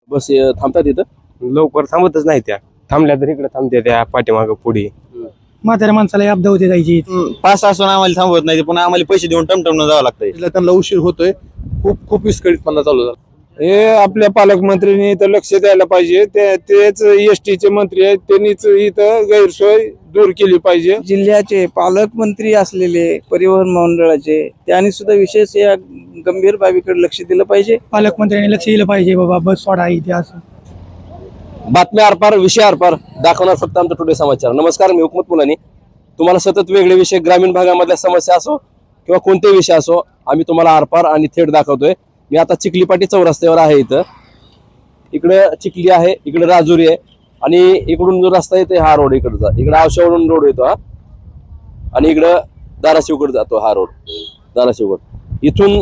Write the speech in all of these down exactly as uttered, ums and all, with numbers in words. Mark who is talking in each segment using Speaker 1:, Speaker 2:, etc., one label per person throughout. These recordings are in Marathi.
Speaker 1: बस अं, थांबतात इथं
Speaker 2: लवकर थांबतच नाही त्या, थांबल्या तर इकडे थांबते त्या पाठीमाग पुढे.
Speaker 3: म्हाताऱ्या माणसाला अपदा होते जायची.
Speaker 4: पास असून आम्हाला थांबवत नाही, पुन्हा आम्हाला पैसे देऊन टमटम जावं लागतंय.
Speaker 5: त्यांना उशीर होतोय, खूप खूप विस्कळीतपणा चालू झाला.
Speaker 2: हे आपल्या पालकमंत्र्यांनी इथं लक्ष द्यायला पाहिजे. ते तेच एस टीचे मंत्री आहेत, त्यांनीच इथं गैरसोय दूर केली पाहिजे.
Speaker 6: जिल्ह्याचे पालकमंत्री असलेले परिवहन मंडळाचे त्यांनी सुद्धा विशेष या गंभीर बाबीकडे लक्ष दिलं पाहिजे.
Speaker 3: पालकमंत्र्यांनी लक्ष दिलं पाहिजे, बाबा बस सोडा इथे असं.
Speaker 1: बातम्या आरपार विषय आरपार दाखवणार फक्त आमचा टुडे समाचार. नमस्कार, मी हुकमत मुलानी. तुम्हाला सतत वेगळे विषय, ग्रामीण भागामधल्या समस्या असो किंवा कोणतेही विषय असो, आम्ही तुम्हाला आरपार आणि थेट दाखवतोय. मी आता चिखलीपाटी चौरस्त्यावर आहे. इथं इकडं चिखली आहे, इकडे राजुरी आहे आणि इकडून जो रस्ता येतो हा रोड इकडचा, इकडे आवशावरून रोड येतो हा, आणि इकडं धाराशिवकडे जातो हा रोड, धाराशिवकडे. इथून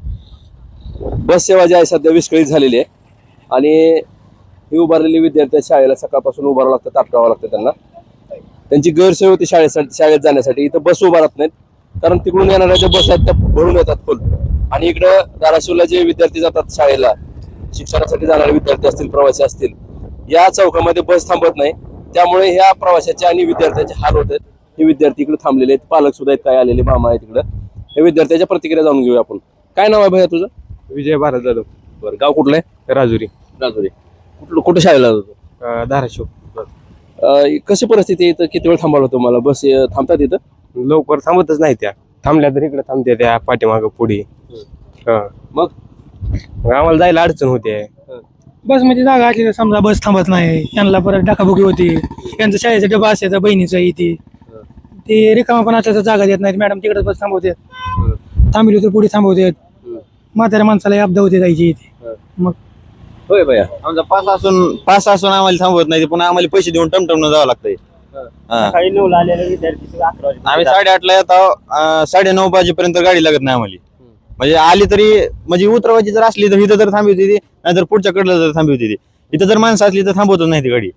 Speaker 1: बस सेवा जी आहे सध्या विस्कळीत झालेली आहे आणि ही उभारलेली विद्यार्थी शाळेला सकाळपासून उभारावं लागतं, ताटकावं लागतं त्यांना. त्यांची गैरसोय होती शाळेसाठी, शाळेत जाण्यासाठी. इथं बस उभारत नाहीत कारण तिकडून येणाऱ्या ज्या बस आहेत त्या भरून येतात फुल. आणि इकडं धाराशिवला जे विद्यार्थी जातात शाळेला, शिक्षणासाठी जाणारे विद्यार्थी असतील, प्रवासी असतील, या चौकामध्ये बस थांबत नाही. त्यामुळे ह्या प्रवाशाचे आणि विद्यार्थ्यांचे हाल होत आहेत. हे विद्यार्थी इकडे थांबलेले आहेत, पालक सुद्धा आहेत, काय आलेले मामा आहेत इकडं. हे विद्यार्थ्याच्या प्रतिक्रिया जाणून घेऊया आपण. काय नाव आहे भैया तुझं?
Speaker 2: विजय भारत जाधव.
Speaker 1: बरं, गाव कुठलं आहे?
Speaker 2: राजुरी.
Speaker 1: राजुरी. कुठलं कुठं शाळेला जातो?
Speaker 2: अं, धाराशिव.
Speaker 1: अं, कशी परिस्थिती आहे इथं? किती वेळ थांबवलं तुम्हाला? बस अं, थांबतात इथं?
Speaker 2: लवकर थांबतच नाही त्या, थांबल्या तर इकडे थांबते त्या पाठीमाग पुढे.
Speaker 1: मग
Speaker 2: आम्हाला जायला अडचण होते.
Speaker 3: बस मध्ये जागा असली तर समजा बस थांबत नाही, यांना परत डाकाबुकी होती. यांचं शाळेचा डबा असायचा बहिणीचा इथे, ते रिकामा पण असल्याचं जागा देत नाहीत. मॅडम तिकडे बस थांबवतात, थांबली तर पुढे थांबवतात. म्हाताऱ्या माणसाला अपदा होते जायची इथे. मग
Speaker 1: होय भैया,
Speaker 4: आमचा पास असून पास असून आम्हाला थांबवत नाही, पुन्हा आम्हाला पैसे देऊन टमटम जावं लागतंय.
Speaker 6: सकाळी नऊला आलेले विद्यार्थी अकरा वाजता
Speaker 4: आम्ही साडेआठला येतो, साडे नऊ वाजेपर्यंत गाडी लागत नाही आम्हाला. म्हणजे आली तरी म्हणजे उतरवायची जर असली तर इथं तर थांबी होती ती, नाहीतर पुढच्या कडलं तर थांबी होती ती. इथं जर माणसं असली तर थांबवतच नाही ती गाडी.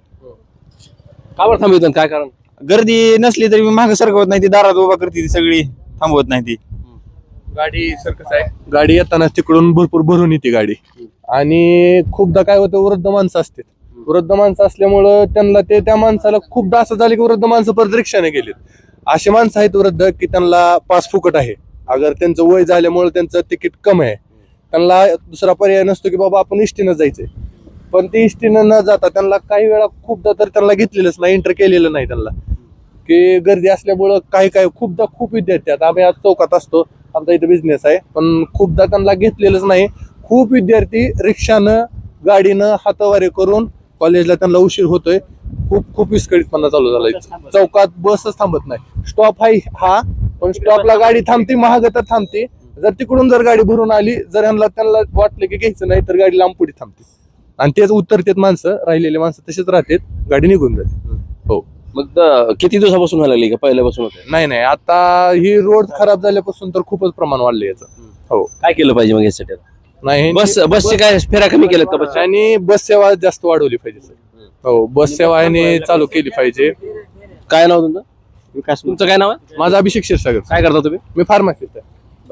Speaker 1: का बरं थांबवतात? काय कारण?
Speaker 4: गर्दी नसली तरी मागे सरकवत नाही ती, दारात उभा करते ती सगळी, थांबवत नाही ती.
Speaker 5: गाडी सर कसं आहे, गाडी येताना तिकडून भरपूर भरून येते गाडी. आणि खूपदा काय होतं, वृद्ध माणसं असते, वृद्ध माणसं असल्यामुळं त्यांना ते त्या माणसाला खूपदा असं झालं की वृद्ध माणसं परत रिक्षाने गेलेत. असे माणसं आहेत वृद्ध की त्यांना पास फुकट आहे, अगर त्यांचं वय झाल्यामुळे त्यांचं तिकीट कमी आहे, त्यांना दुसरा पर्याय नसतो की बाबा आपण इष्टीनं जायचंय. पण ते इष्टीनं न जाता त्यांना काही वेळा खूपदा तर त्यांना घेतलेलंच नाही, एंटर केलेलं नाही त्यांना, की गर्दी असल्यामुळं काही काही खूपदा खूप विद्यार्थी आहेत. आम्ही आज चौकात असतो, आमचा इथं बिझनेस आहे, पण खूपदा त्यांना घेतलेलंच नाही. खूप विद्यार्थी रिक्षानं, गाडीनं हातवारे करून कॉलेजला त्यांना उशीर होतोय. खूप खूप विस्कळीतपणा चालू झालाय. चौकात बसच थांबत नाही. स्टॉप आहे हा, पण स्टॉपला गाडी थांबते, महाग तर थांबते. जर तिकडून जर गाडी भरून आली, जर यांना त्यांना वाटलं की घ्यायचं नाही तर गाडी लांब पुढे थांबते आणि तेच उतरतात माणसं, राहिलेले माणसं तसेच राहतात, गाडी निघून जाते. हो.
Speaker 1: मग द- किती दिवसापासून व्हायला लागली का पहिल्यापासून होते?
Speaker 5: नाही नाही, आता ही रोड खराब झाल्यापासून तर खूपच प्रमाण वाढलं याचं. हो.
Speaker 1: काय केलं पाहिजे मग यासाठी?
Speaker 5: नाही,
Speaker 1: बस बसचे काय फेऱ्या कमी केल्यात का बस?
Speaker 5: आणि बस सेवा जास्त वाढवली पाहिजे सर. हो, बस सेवा याने चालू केली पाहिजे.
Speaker 1: काय नाव तुमचं? विकास. तुमचं काय नाव आहे?
Speaker 5: माझा अभिषेक क्षीरसागर.
Speaker 1: काय करता तुम्ही?
Speaker 5: मी फार्मसिस्ट आहे.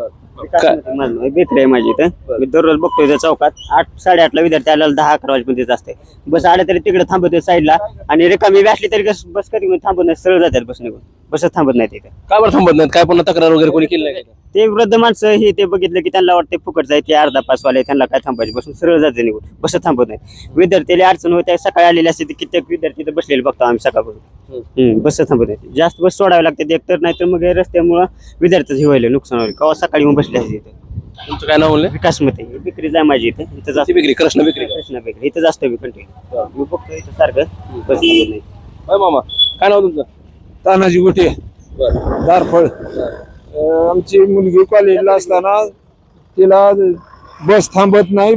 Speaker 6: बेकरी आहे माझी इथं. मी दररोज बघतो इथं चौकात आठ साडेआठला विद्यार्थी आल्याला दहा अकरा वाजेपर्यंत असते. बस आल्या तरी तिकडे थांबवते साईडला, आणि रिकामी असली तरी बस कधी थांबत नाही, सरळ जातात बस निघून, बसच थांबत नाही तिथे.
Speaker 1: का बरं थांबत नाहीत? काय पुन्हा तक्रार वगैरे कोणी केली नाही का?
Speaker 6: ते वृद्ध माणसं हे ते बघितलं की त्यांना वाटते फुकट जायचे, अर्धा पासवाले त्यांना काय थांबायचे, बसून सरळ जाते निघून, बसच थांबत नाही. विद्यार्थ्याला अडचण होते, सकाळी आलेले असते कित्येक विद्यार्थी तर बसलेले बघतो आम्ही सकाळपासून. बस थांबत नाही, जास्त बस सोडावे लागते एकतर, नाही तर मग रस्त्यामुळं विद्यार्थ्याचं हे व्हायला नुकसान होईल. केव्हा सकाळी येऊन बसले असते इथे.
Speaker 1: तुमचं काय नाव म्हणले?
Speaker 6: विकास मते विक्री जाय माझी इथे, इथं जास्त
Speaker 1: विक्री, कृष्ण विक्री.
Speaker 6: कृष्णा बेकरी इथं जास्त मी कंटिन्यू मी बघतो इथं सारखं बस थांबत नाही.
Speaker 1: होय मामा, काय नाव तुमचं?
Speaker 2: तानाजी गोटे,
Speaker 1: बरं.
Speaker 2: दारफळ. अं, आमची मुलगी कॉलेजला असताना तिला बस थांबत नाही.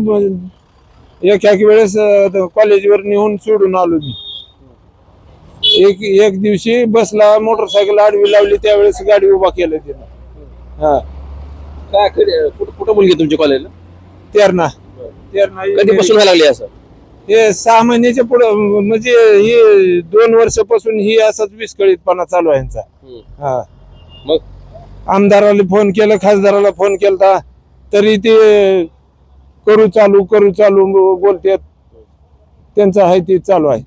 Speaker 2: एक एक वेळेस अं, कॉलेजवर नेऊन सोडून आलो मी. एक एक दिवशी बसला मोटरसायकल आडवी लावली, त्यावेळेस गाडी उभा केलं तिनं. हा,
Speaker 1: काय कडे- कुठं कुठं मुलगी आहे तुमच्या कॉलेजला?
Speaker 2: तेरणा तेरणा
Speaker 1: कधीपासून व्हायला लागली असं?
Speaker 2: हे सहा महिन्याच्या पुढे, म्हणजे हे दोन वर्षापासून ही असाच विस्कळीतपणा चालू आहे यांचा. हा,
Speaker 1: मग
Speaker 2: आमदाराला फोन केला, खासदाराला फोन केला, तरी ते करू चालू करू चालू बोलतात. त्यांचं आहे ते चालू आहे.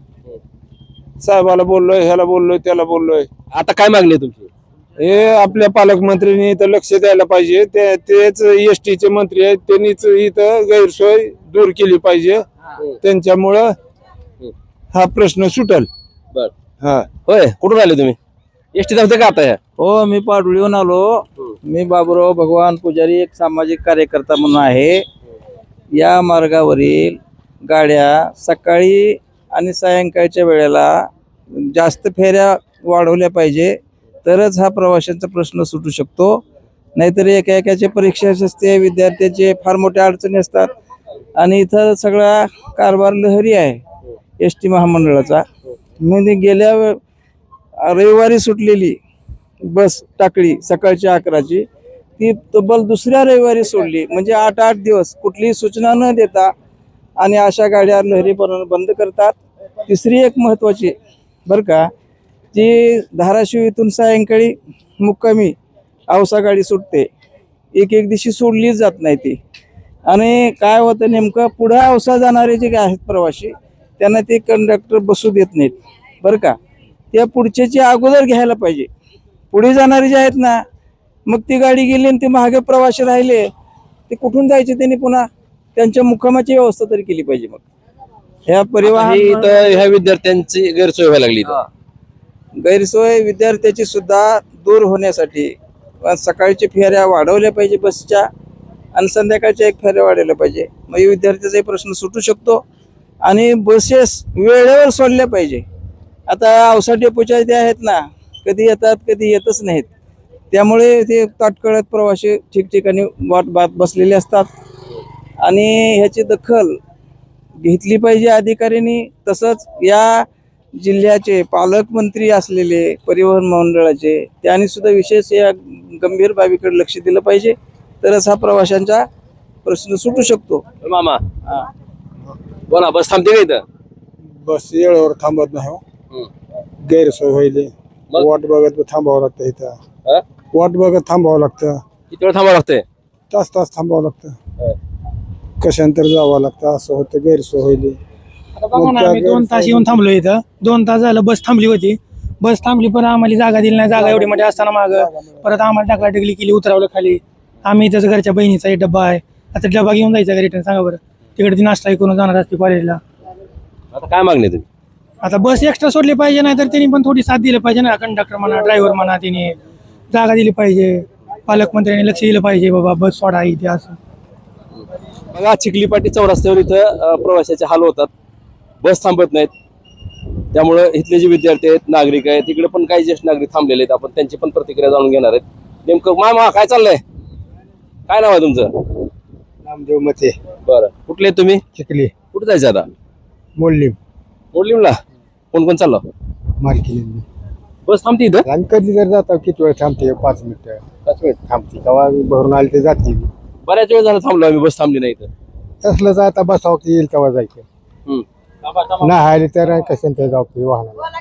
Speaker 2: साहेबाला बोललोय, ह्याला बोललोय, त्याला बोललोय.
Speaker 1: आता काय मागणी आहे तुमची?
Speaker 2: हे आपल्या पालकमंत्र्यांनी इथं लक्ष द्यायला पाहिजे. ते तेच एस टीचे मंत्री आहेत, त्यांनीच इथं गैरसोय दूर केली पाहिजे. त्यांच्यामुळं हा प्रश्न सुटल.
Speaker 1: बर
Speaker 2: हा
Speaker 1: होय, कुठून आले तुम्ही? एसटी धावते का आता ह्या?
Speaker 7: हो, मी पाडुळीहून आलो. मी बाबुराव भगवान पुजारी, एक सामाजिक कार्यकर्ता म्हणून आहे. या मार्गावरील गाड्या सकाळी आणि सायंकाळच्या वेळेला जास्त फेऱ्या वाढवल्या पाहिजे, तरच हा प्रवाशांचा प्रश्न सुटू शकतो. नाहीतर एका एकाच्या परीक्षा असते, विद्यार्थ्याचे फार मोठ्या अडचणी असतात. आणि इथं सगळा कारभार लहरी आहे एस टी महामंडळाचा. म्हणजे गेल्या वे- रविवारी सुटलेली बस टाकळी सकाळची अकराची, ती तब्बल दुसऱ्या रविवारी सोडली. म्हणजे आठ आठ दिवस कुठलीही सूचना न देता आणि अशा गाड्या लहरी बंद करतात. तिसरी एक महत्त्वाची बरं का, जी धाराशिव इथून सायंकाळी मुक्कामी औसा गाडी सुटते, एक एक दिवशी सोडलीच जात नाही ती. आणि काय होतं नेमकं, पुढं औसा जाणारे जे आहेत प्रवासी, त्यांना ते कंडक्टर बसू देत नाहीत बरं का. त्या पुढच्याची अगोदर घ्यायला पाहिजे. पुढे जाणारे जे आहेत ना, मग ती गाडी गेली आणि ते मागे प्रवासी राहिले, ते कुठून जायचे त्यांनी? पुन्हा त्यांच्या मुक्कामाची व्यवस्था तरी केली पाहिजे. मग ह्या
Speaker 1: आता
Speaker 7: परिवहन
Speaker 1: हे इथं ह्या विद्यार्थ्यांची गैरसोय व्हायला लागली इथं.
Speaker 7: गैरसोय विद्यार्थ्याची सुद्धा दूर होण्यासाठी सकाळच्या फेऱ्या वाढवल्या पाहिजे बसच्या, आणि संध्याकाळच्या एक फेऱ्या वाढवल्या पाहिजे. मग विद्यार्थ्याचाही प्रश्न सुटू शकतो. आणि बसेस वेळेवर सोडल्या पाहिजे. आता औसा डेपोच्या त्या आहेत ना, कधी येतात कधी येतच नाहीत. त्यामुळे ते ताटकळत प्रवासी ठिकठिकाणी वाट बात बसलेले असतात. आणि ह्याची दखल घेतली पाहिजे अधिकाऱ्यांनी. तसंच या जिल्ह्याचे पालकमंत्री असलेले परिवहन मंडळाचे, त्यांनी सुद्धा विशेष या गंभीर बाबीकडे लक्ष दिलं पाहिजे, तरच हा प्रवाशांचा प्रश्न सुटू शकतो.
Speaker 1: मामा बोला, बस थांबते का इथं?
Speaker 2: बस वेळेवर थांबत नाही हो.
Speaker 1: हम्म.
Speaker 2: गैरसोय व्हायली.
Speaker 1: मग?
Speaker 2: वाट बघत थांबावं लागतं इथं.
Speaker 1: हा?
Speaker 2: वाट बघत थांबावं लागतं.
Speaker 1: किती वेळ थांबावं लागतंय?
Speaker 2: तास तास थांबावं लागतं.
Speaker 1: हा.
Speaker 2: कशांतर जावं लागतं. असं होतं, गैरसोय व्हायली.
Speaker 3: आता बघा ना, आम्ही दोन तास येऊन थांबलो इथं. दोन तास झालं बस थांबली होती. बस थांबली पण आम्हाला जागा दिली नाही. जागा एवढी मोठी असताना माग परत आम्हाला टाकला टिकली केली, उतरवलं खाली. आम्ही इथं घरच्या बहिणीचा एक डब्बा आहे. आता डब्बा घेऊन जायचा का रिटर्न? सांगा बरं. तिकडे ती नाश्ता करून जाणार असते कॉलेजला.
Speaker 1: आता काय मागणी आहे तुम्ही?
Speaker 3: आता बस एक्स्ट्रा सोडली पाहिजे, नाही तर त्यांनी पण थोडी साथ दिली पाहिजे ना. कंडक्टर म्हणा, ड्रायव्हर म्हणा, त्यांनी जागा दिली पाहिजे. पालकमंत्र्यांनी लक्ष दिलं पाहिजे, बाबा बस सोडा इथे असं.
Speaker 1: बघा, चिखलीपाटी चौरस्त्यावर इथं अं, प्रवाशाचे हाल होतात. बस थांबत नाहीत. त्यामुळं इथले जे विद्यार्थी आहेत, नागरिक आहेत, तिकडे पण काही ज्येष्ठ नागरिक थांबलेले आहेत. आपण त्यांची पण प्रतिक्रिया जाणून घेणार आहेत. नेमकं मामा काय चाललंय? काय नाव आहे तुमचं?
Speaker 2: नामदेव मते,
Speaker 1: बरं, कुठले आहेत तुम्ही?
Speaker 2: चिखली,
Speaker 1: कुठे जायचं आता?
Speaker 2: मोडलीम,
Speaker 1: मोडलीमला कोण कोण चाललं?
Speaker 2: मालकी.
Speaker 1: बस थांबते इथं?
Speaker 2: आणि कधी जर जातो किती वेळ थांबते? पाच मिनिटं
Speaker 1: पाच मिनिट.
Speaker 2: थांबते. तेव्हा भरून आले ते जाते.
Speaker 1: बऱ्याच वेळ झाला थांबलो आम्ही, बस थांबली नाही इथं.
Speaker 2: तसलं जाता बसावं की येईल तेव्हा जायचं.
Speaker 1: हम्म.
Speaker 2: नाही आले तर कशांतर जाऊ की वाहनाला.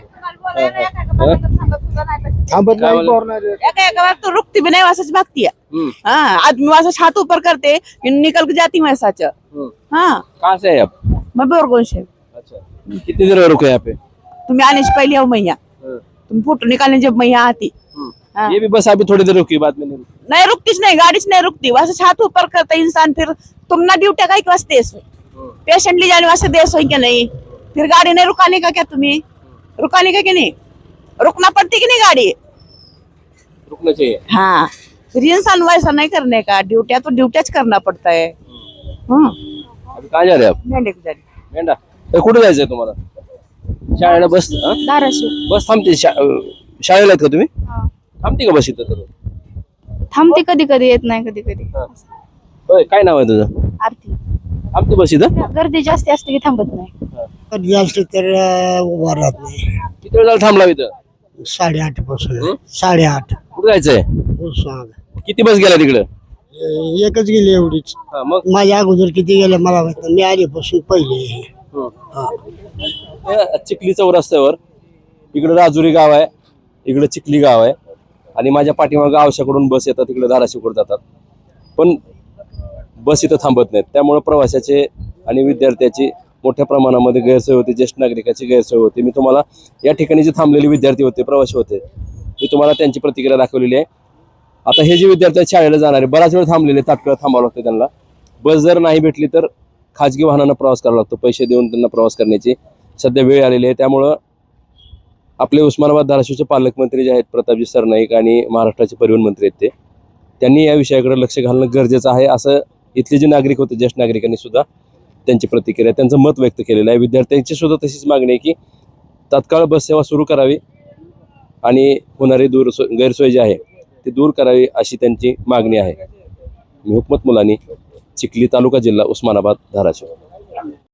Speaker 2: थांबत
Speaker 1: काय
Speaker 2: नाही.
Speaker 1: बोलला?
Speaker 2: भरून
Speaker 8: एका एका बार तो रुकती भी नहीं वैसा भागती है।
Speaker 1: हम्म.
Speaker 8: हाँ आदमी वैसा छात ऊपर करते फिर निकल के जाती मैं सच।
Speaker 1: हम्म.
Speaker 8: हाँ
Speaker 1: कहाँ से है आप?
Speaker 8: मैं बोरगोन से।
Speaker 1: अच्छा, कितनी देर रुके यहाँ पे?
Speaker 8: तुम्हें आने से पहले आओ मैया, तुम फोटो निकालने जब मैया आती। हाँ।
Speaker 1: ये भी बस अभी थोड़ी देर रुकी, बाद में नहीं रुकी।
Speaker 8: नहीं रुकती नहीं, गाड़ी से नहीं रुकती, वैसे छात ऊपर करता इंसान। फिर तुम ना ड्यूटी का एक वास्ते पेशेंट ले जाने वास्ते देश हो क्या नहीं? फिर गाड़ी नहीं रुकाने का क्या? तुम्हें रुकाने का क्या नहीं? रुकना पड़ती कि नहीं गाड़ी?
Speaker 1: रुकना चाहिए।
Speaker 8: हाँ फिर इंसान वैसा नहीं करने का, ड्यूटिया तो ड्यूटिया करना पड़ता है। हम्म
Speaker 1: अभी कहाँ जा रहे हैं आप?
Speaker 8: मैं लेके जा रही
Speaker 1: मेंढा, ए, कुठे जायचंय तुम्हाला? शाळेला बस हा?
Speaker 8: धाराशिव
Speaker 1: बस थांबते. शा- अं, शाळेला आहेत का तुम्ही? थांबते का बस इथं तर?
Speaker 9: थांबते, कधी कधी येत नाही, कधी कधी.
Speaker 1: होय, काय नाव आहे तुझं?
Speaker 9: आरती.
Speaker 1: थांबते बस इथं?
Speaker 9: गर्दी जास्त असते की थांबत नाही.
Speaker 10: गर्दी असली तर उभा राहत नाही.
Speaker 1: किती वेळ झाला थांबला इथं?
Speaker 10: साडेआठ पासून
Speaker 1: हं?
Speaker 10: साडेआठ
Speaker 1: कुठे जायचंय?
Speaker 10: सांग.
Speaker 1: किती बस गेल्या तिकडं?
Speaker 10: एकच गेली एवढीच.
Speaker 1: हा, मग
Speaker 10: माझ्या अगोदर किती गेल्या मला माहित नाही. मी आधीपासून पहिले.
Speaker 1: हे चिखली चौरस्त्यावर इकडे राजुरी गाव आहे, इकडे चिखली गाव आहे, आणि माझ्या पाठीमागं आवश्याकडून बस येतात, तिकडे धाराशिवकडे जातात. पण बस इथं थांबत नाहीत. त्यामुळे प्रवाशाचे आणि विद्यार्थ्याची मोठ्या प्रमाणामध्ये गैरसोय होते, ज्येष्ठ नागरिकांची गैरसोय होते. मी तुम्हाला या ठिकाणी जे थांबलेले विद्यार्थी होते, प्रवासी होते, मी तुम्हाला त्यांची प्रतिक्रिया दाखवलेली आहे. आता हे जे विद्यार्थी आहेत शाळेला जाणारे बराच वेळ थांबलेले, तात्काळ थांबावं लागतं त्यांना. बस जर नाही भेटली तर खाजगी वाहनानं प्रवास करावा लागतो, पैसे देऊन त्यांना प्रवास करण्याची सध्या वेळ आलेली आहे. त्यामुळं आपले उस्मानाबाद धाराशिवचे पालकमंत्री जे आहेत प्रतापजी सरनाईक आणि महाराष्ट्राचे परिवहन मंत्री आहेत ते त्यांनी या विषयाकडे लक्ष घालणं गरजेचं आहे, असं इथले जे नागरिक होते, ज्येष्ठ नागरिकांनी सुद्धा त्यांची प्रतिक्रिया, त्यांचं मत व्यक्त केलेलं आहे. विद्यार्थ्यांची सुद्धा तशीच मागणी आहे की तात्काळ बस सेवा सुरू करावी आणि होणारी दूर गैरसोय जी आहे ती दूर करावी अशी त्यांची मागणी आहे. मी हुकमत मुलानी, चिखली तालुका, जिल्हा उस्मानाबाद, धाराशिव.